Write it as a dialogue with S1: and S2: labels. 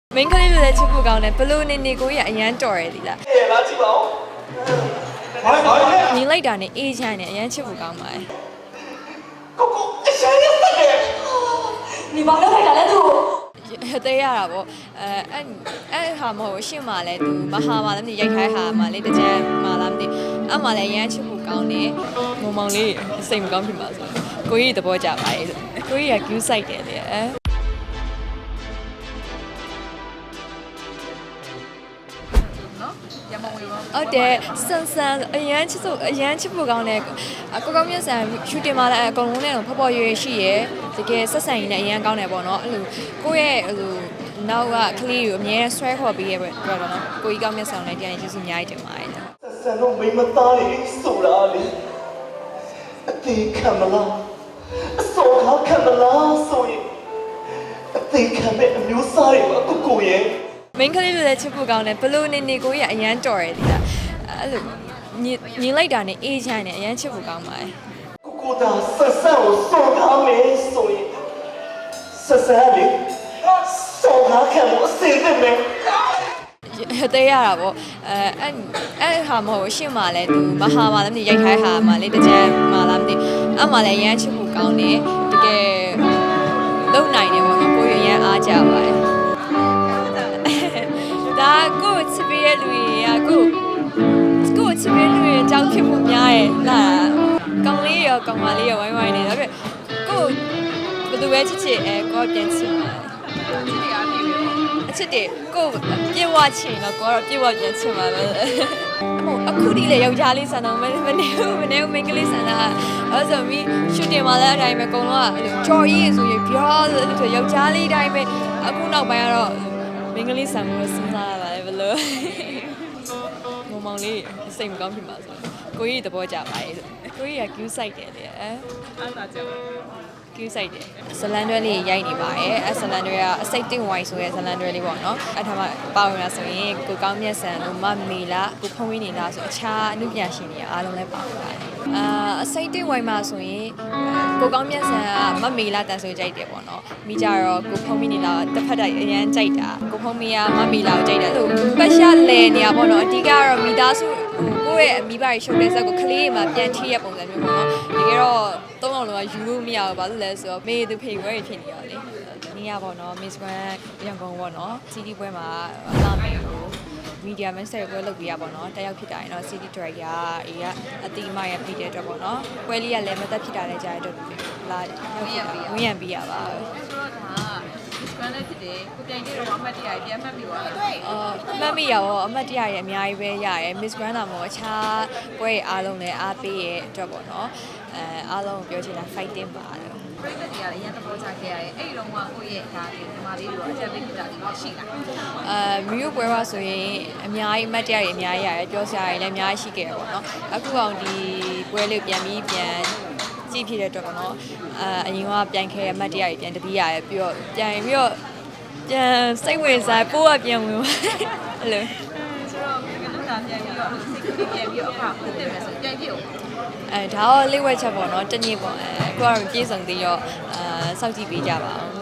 S1: မင်းကလေးလိုလည်းချစ်ဖို့ကောင်းတယ်ဘလို့နေကိုကြီးကအရန်တော်ရည်ဒီလား
S2: လာကြည့်ပါဦးဘာလဲ
S1: မြင်လိုက်တာနဲ့အေးချမ်းနဲ့အရန်ချစ်ဖို့ကောင်းပါတယ်
S2: ကိုအရှာရစတယ်
S3: 你妈刚才讲的都。
S1: သေးရတာပေါ့အဲ့ဟာမဟုတ်ရှင့်မှာလဲသူမဟာမှာလည်းမသိရိုက်ခိုင်းဟာမှာလေတကြံမှာလားမသိအဲ့မှာလည်းရမ်းချစ်ဖို့ကောင်းတယ်ငုံမောင်လေးစိတ်မကောင်းဖြစ်မှာဆိုကိုကြီးသဘောကျပါရဲ့ကိုကြီးက cue site တယ်လေဟုတ်တယ်ဆန်အရန်ချစ်ဖို့ကောင်းတယ်ကိုကောင်းမြတ်ဆန်ရှူတင်မှာလည်းအကုန်လုံးနဲ့ဖော်ဖော်ရွယ်ရှိရယ်တကယ်ဆက်ဆံရင်းနဲ့အရန်ကောင်းတယ်ပေါ့နော်အဲ့လိုကိုယ့်ရဲ့အဲ့လိုနောက်ကကလေးကိုအမြဲဆွဲခေါ်ပေးရပဲပြောတော့နော်ကိုကြီးကောင်းမြတ်ဆန်လည်းတရားရင်ကျေးဇူးအများကြီးတင်ပါတယ်
S2: ဆန်တော့မိမသားလေးဆိုတာလေအသေးခံမလားအစောကားခံမလားဆိုရင်အသေးခံမဲ့အမျိုးသားတွေပါကိုရဲ့
S1: မင်းကလေးလိုလည်းချစ်ဖို့ကောင်းတယ်ဘလို့နေကိုကြီးကအရန်တော်ရည်ဒီလားအဲ့လိုမြင်လိုက်တာနဲ့အေးချမ်းနဲ့အရန်ချစ်ဖို့ကောင်းပါတယ်
S2: ကိုသာဆက်ဆက်ကိုစောကားမယ်ဆိုရင်ဆက်ဆက်လေစောကားခံလို့အစင်တယ်မယ်
S1: သေးရတာပေါ့အဲ့ဟာမဟုတ်ရှင့်မှာလဲသူမဟာမှာလည်းမသိရိုက်ခိုင်းဟာမှာလေတကြံမှာလားမသိအဲ့မှာလည်းရမ်းချစ်ဖို့ကောင်းတယ်တကယ်လုံနိုင်တယ်ပေါ့နော်ကိုရရမ်းအားကြပါတယ်ဒါကိုချစ်ပေးရလူတွေကကိုချစ်ပေးလူတွေအကြောင်းဖြစ်ဖို့များရဲ့လာကောင်းလေးရောကောင်းမလေးရောဝိုင်းဝိုင်းနေဒါပေမဲ့ကိုဘယ်သူပဲချစ်ကိုပြန်ချစ်မှာအချစ်တွေကိုပြေဝချင်တော့ကိုကတော့ပြေဝပြန်ချင်ပါပဲအခုဒီလေယောက်ျားလေးဆန်တော့မနေဘူးမိန်းကလေးဆန်တာအဲ့ဆိုပြီးရှူတင်မှာလည်းအတိုင်းပဲအကုန်လုံးကကြော်ရေးဆိုရင်ပြောဆိုယောက်ျားလေးတိုင်းပဲအခုနောက်ပိုင်းကတော့မင်္ဂလိဆန်လို့စဉ်းစားရပါတယ်ဘယ်လိုငုံမောင်လေးစိတ်မကောင်းဖြစ်မှာဆိုကိုကြီးသဘောကျပါရဲ့ကိုကြီးက cue site တယ်လေအားသာကြောက် cue site တယ်ဇလန်တွဲလေးရိုက်နေပါတယ်အဲဇလန်တွဲကအစိတ်တင်ဝိုင်ဆိုရဲဇလန်တွဲလေးပေါ့နော်အဲ့ဒါမှပါဝင်လာဆိုရင်ကိုကောင်းမြတ်ဆန်တို့မမေလာကိုဖုံးဝင်းနေလားဆိုအခြားအမှုပညာရှင်တွေအားလုံးလည်းပါဝင်ပါတယ်အစိတ်တင်ဝိုင်မှာဆိုရင်ကိုကောင်းမြတ်ဆန်ကမမေလာတန်ဆိုကြိုက်တယ်ပေါ့နော်မိကြတော့ကိုဖုံးဝင်းနေလားတစ်ဖက်တိုက်အရန်ကြိုက်တာကိုဖုံးမင်းကမမေလာကိုကြိုက်တယ်အဲ့လိုပတ်ရှာလဲနေရပေါ့နော်အဓိကကတော့မိသားစုကိုယ့်ရဲ့အမိဘတွေရှုပ်တဲ့ဇက်ကိုကလေးတွေမှာပြန်ထိရပုံစံမျိုးပေါ့နော်တကယ်တော့သုံးအောင်လုံးကယူလို့မရဘူးဘာလို့လဲဆိုတော့မေသူဖေဝဲဖြစ်နေရောလေနေ့ရပေါ့နော် Miss Grand ရန်ကုန်ပေါ့နော် CD ပွဲမှာအလားမျိုး media master ပွဲလုပ်ပြရပေါ့နော်တက်ရောက်ဖြစ်တာရင်တော့ CD director အေးကအတိအမရပြီးတဲ့အတွက်ပေါ့နော်ပွဲလေးကလည်းမသက်ဖြစ်တာလည်းကြားရတဲ့အတွက်လာဝင်းရံပြီးရပါ
S3: နဲ့ဖြစ်တယ်ကိုပြိုင်နေတော့အမှတ်တရပြန်မှတ်ပြီးသွားတယ်
S1: အမှတ်မိရပါအမှတ်တရရအများကြီးပဲရရ Miss Grand တာမို့အခြားပွဲအားလုံးလည်းအားပေးရဲ့အတွက်ပေါ့နော်အားလုံးပြောချင်တာ fighting ပါလို့
S3: ပြိတ္တတွေကလည်းအရင်သဘောချခဲ့ရတယ်အဲ့ဒီတော့ကကိုယ့်ရဲ့ဒါဒီညီမလေးတို့အချက်လေးဖြစ်တာဒီမှာရှိတာ
S1: မြို့ပွဲပါဆိုရင်အများကြီးအမှတ်တရရအများကြီးရတယ်ပြောစရာတွေလည်းအများကြီးရှိခဲ့တယ်ပေါ့နော်အခုအောင်ဒီပွဲလေးပြန်ကြည့်ဖြစ်တဲ့အတွက်ပေါ့နော်အရင်ကပြိုင်ခဲ့ရမှတ်တရပြန်တပီးရတယ်ပြီးတော့ပြန်စိတ်ဝင်စားပိုးကပြန်ဝင်အဲ့လို
S3: ဆိုတော့ကနတာပြန်ပြီးတော့စိတ်ကပြန်ပြီးတော့အခါဖြစ်တယ်ဆိုပြန်ပြည့်အောင်
S1: ဒါတော့လေးဝက်ချက်ပေါ့နော်တနည်းပေါ့အခုကတော့ပြေဆုံးသေးရောစောင့်ကြည့်ပေးကြပါဦး